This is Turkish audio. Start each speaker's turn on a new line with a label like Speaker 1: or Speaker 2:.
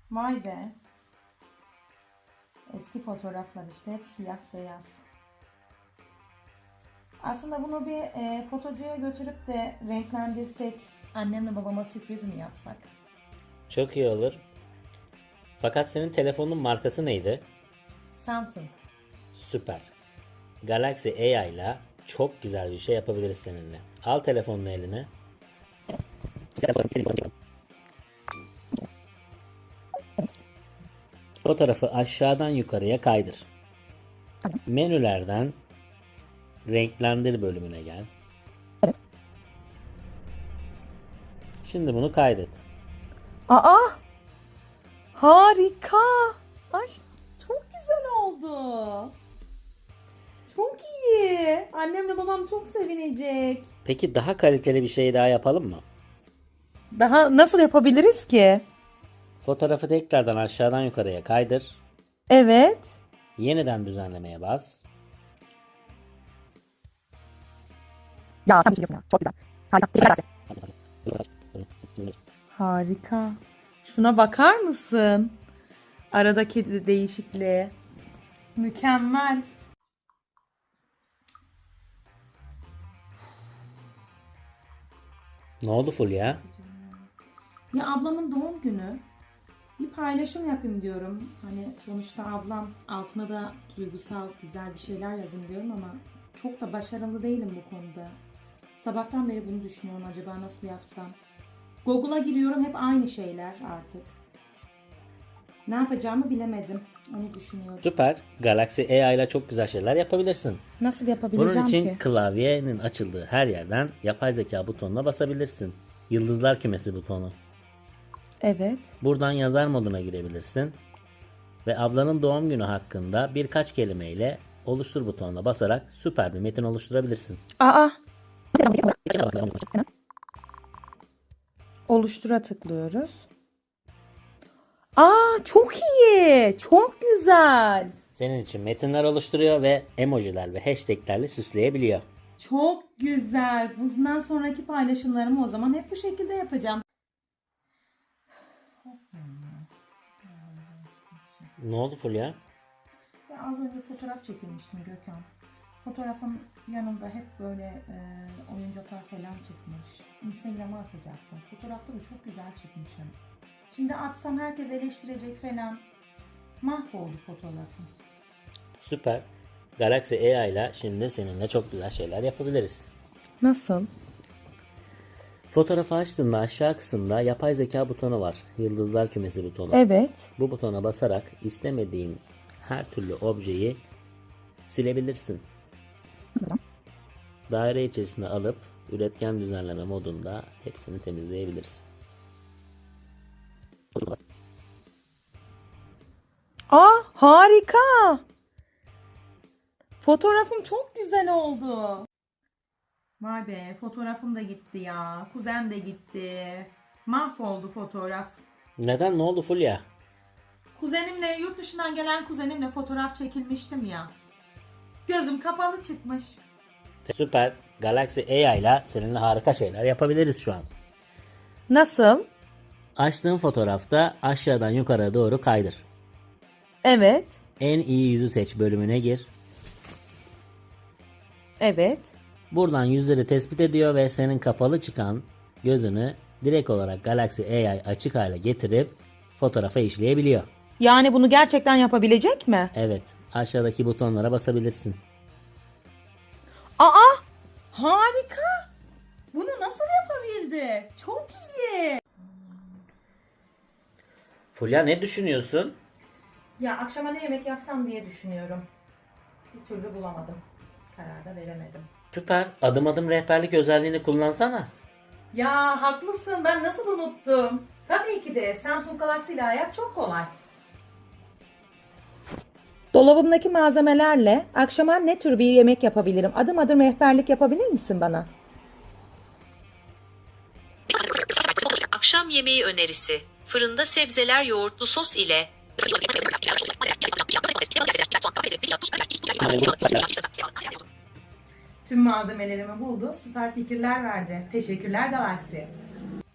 Speaker 1: Vay be. Eski fotoğraflar işte hep siyah beyaz. Aslında bunu bir fotocuya götürüp de renklendirsek, annemle babama sürpriz mi yapsak?
Speaker 2: Çok iyi olur. Fakat senin telefonun markası neydi?
Speaker 1: Samsung.
Speaker 2: Süper. Galaxy AI ile çok güzel bir şey yapabiliriz seninle. Al telefonunu eline. Fotoğrafı aşağıdan yukarıya kaydır. Menülerden renklendir bölümüne gel. Şimdi bunu kaydet.
Speaker 1: Aa! Harika! Ay çok güzel oldu. Çok iyi. Annemle babam çok sevinecek.
Speaker 2: Peki daha kaliteli bir şey daha yapalım mı?
Speaker 1: Daha nasıl yapabiliriz ki?
Speaker 2: Fotoğrafı tekrardan aşağıdan yukarıya kaydır.
Speaker 1: Evet.
Speaker 2: Yeniden düzenlemeye bas.
Speaker 1: Ya sen bir şey diyorsun ya. Çok güzel. Harika. Harika. Şuna bakar mısın? Aradaki değişikliğe. Mükemmel.
Speaker 2: Ne oldu Fulya?
Speaker 1: Ya ablamın doğum günü. Bir paylaşım yapayım diyorum. Hani sonuçta ablam, altına da duygusal güzel bir şeyler yazayım diyorum ama çok da başarılı değilim bu konuda. Sabahtan beri bunu düşünüyorum, acaba nasıl yapsam. Google'a giriyorum, hep aynı şeyler artık. Ne yapacağımı bilemedim. Onu düşünüyorum.
Speaker 2: Süper. Galaxy AI ile çok güzel şeyler yapabilirsin.
Speaker 1: Nasıl
Speaker 2: Bunun
Speaker 1: yapabileceğim
Speaker 2: için
Speaker 1: ki?
Speaker 2: klavyenin açıldığı her yerden yapay zeka butonuna basabilirsin. Yıldızlar kümesi butonu.
Speaker 1: Evet.
Speaker 2: Buradan yazar moduna girebilirsin. Ve ablanın doğum günü hakkında birkaç kelimeyle oluştur butonuna basarak süper bir metin oluşturabilirsin.
Speaker 1: Aa! Oluştura tıklıyoruz. Aa, çok iyi. Çok güzel.
Speaker 2: Senin için metinler oluşturuyor ve emojiler ve hashtaglerle süsleyebiliyor.
Speaker 1: Çok güzel. Bundan sonraki paylaşımlarımı o zaman hep bu şekilde yapacağım.
Speaker 2: Ne oldu Fulya?
Speaker 1: Ya az önce fotoğraf çekilmiştim Gökhan. Fotoğrafın yanında hep böyle oyuncaklar falan çıkmış. Instagram'a atacaktım. Fotoğrafları çok güzel çıkmışım. Şimdi atsam herkes eleştirecek falan. Mahvoldu fotoğrafım.
Speaker 2: Süper. Galaxy AI ile şimdi seninle çok güzel şeyler yapabiliriz.
Speaker 1: Nasıl?
Speaker 2: Fotoğrafı açtığında aşağı kısımda yapay zeka butonu var. Yıldızlar kümesi butonu.
Speaker 1: Evet.
Speaker 2: Bu butona basarak istemediğin her türlü objeyi silebilirsin. Daire içerisine alıp üretken düzenleme modunda hepsini temizleyebilirsin.
Speaker 1: Aa, harika. Fotoğrafım çok güzel oldu. Vay be, fotoğrafım da gitti ya. Kuzen de gitti. Mahvoldu fotoğraf.
Speaker 2: Neden? Ne oldu Fulya?
Speaker 1: Kuzenimle, yurt dışından gelen kuzenimle fotoğraf çekilmiştim ya. Gözüm kapalı çıkmış.
Speaker 2: Süper. Galaxy AI ile seninle harika şeyler yapabiliriz şu an.
Speaker 1: Nasıl?
Speaker 2: Açtığın fotoğrafta aşağıdan yukarı doğru kaydır.
Speaker 1: Evet.
Speaker 2: En iyi yüzü seç bölümüne gir.
Speaker 1: Evet.
Speaker 2: Buradan yüzleri tespit ediyor ve senin kapalı çıkan gözünü direkt olarak Galaxy AI açık hale getirip fotoğrafa işleyebiliyor.
Speaker 1: Yani bunu gerçekten yapabilecek mi?
Speaker 2: Evet, aşağıdaki butonlara basabilirsin.
Speaker 1: Aa! Harika! Bunu nasıl yapabildi? Çok iyi.
Speaker 2: Fulya ne düşünüyorsun?
Speaker 1: Ya akşama ne yemek yapsam diye düşünüyorum. Bir türlü bulamadım. Karar da veremedim.
Speaker 2: Süper. Adım adım rehberlik özelliğini kullansana.
Speaker 1: Ya haklısın, ben nasıl unuttum? Tabii ki de Samsung Galaxy ile hayat çok kolay. Dolabımdaki malzemelerle akşama ne tür bir yemek yapabilirim? Adım adım rehberlik yapabilir misin bana?
Speaker 3: Akşam yemeği önerisi. Fırında sebzeler yoğurtlu sos ile
Speaker 1: Tüm malzemelerimi buldu, süper fikirler verdi. Teşekkürler Galaxy.